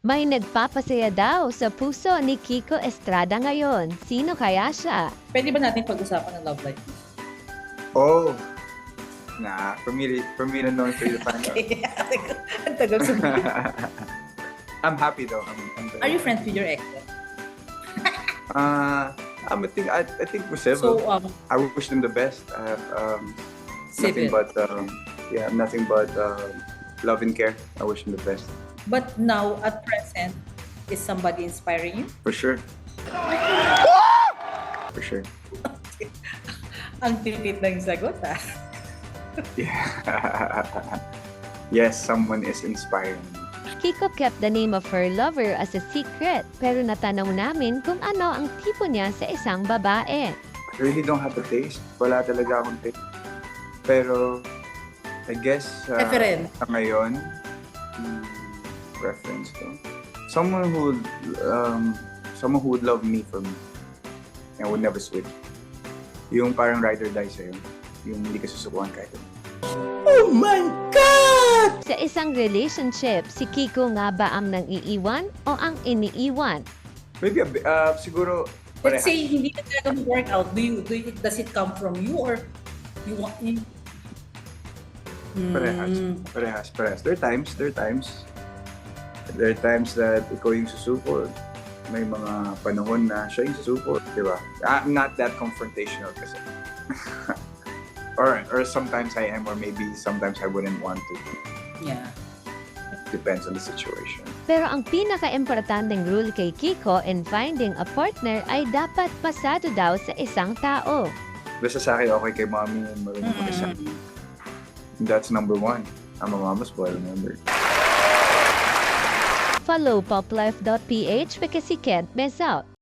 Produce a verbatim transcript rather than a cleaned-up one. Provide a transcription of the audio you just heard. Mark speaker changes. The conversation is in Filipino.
Speaker 1: May nagpapasaya daw sa puso ni Kiko Estrada ngayon. Sino kaya siya?
Speaker 2: Pwede ba natin pag-usapan ng love life?
Speaker 3: Oh, nah, for me, to- for me to know and for you to find out.
Speaker 2: Ang tagal sabihin.
Speaker 3: I'm happy though. I'm, I'm
Speaker 2: Are you friends with your ex?
Speaker 3: Uh, I'm, I think I, I think we're civil.
Speaker 2: So, um,
Speaker 3: I wish them the best. I have um, nothing
Speaker 2: civil.
Speaker 3: but um, yeah, nothing but um, love and care. I wish them the best
Speaker 2: But now, at present, is somebody inspiring you?
Speaker 3: for sure. For sure.
Speaker 2: Ang tipid ng sagot, ah.
Speaker 3: Yeah. Yes, someone is inspiring me.
Speaker 1: Kiko kept the name of her lover as a secret, pero natanong namin kung ano ang tipo niya sa isang babae.
Speaker 3: I really don't have a taste. Wala talaga akong taste. Pero, I guess, uh,
Speaker 2: Reference.
Speaker 3: sa ngayon, hmm, reference ko. Someone who, would, um, someone who would love me for me. And would never switch. Yung parang ride or die sa'yo. Yung hindi ka susukuhan kahit ano.
Speaker 1: Sa isang relationship, si Kiko nga ba ang nang iiwan o ang iniiwan?
Speaker 3: Maybe, a bit, uh, siguro,
Speaker 2: Let's
Speaker 3: parehas.
Speaker 2: say, hindi na talaga mag-work out. Do you, do you, does it come from you or you want you?
Speaker 3: Parehas.
Speaker 2: Hmm.
Speaker 3: Parehas, parehas. There are times, there are times. There are times that ikaw yung susuko. May mga panahon na siya yung susuko. Di ba? I'm not that confrontational kasi. or, or sometimes I am, or maybe sometimes I wouldn't want to.
Speaker 2: Yeah.
Speaker 3: Depends on the situation.
Speaker 1: Pero ang pinaka-importanteng rule kay Kiko in finding a partner ay dapat pasado daw sa isang tao.
Speaker 3: Basta sa akin, okay kay mommy and marunong
Speaker 2: Mm-mm.
Speaker 3: makisama. That's number one. I'm a mama's boy, remember?
Speaker 1: Follow poplife dot p h because you can't miss out.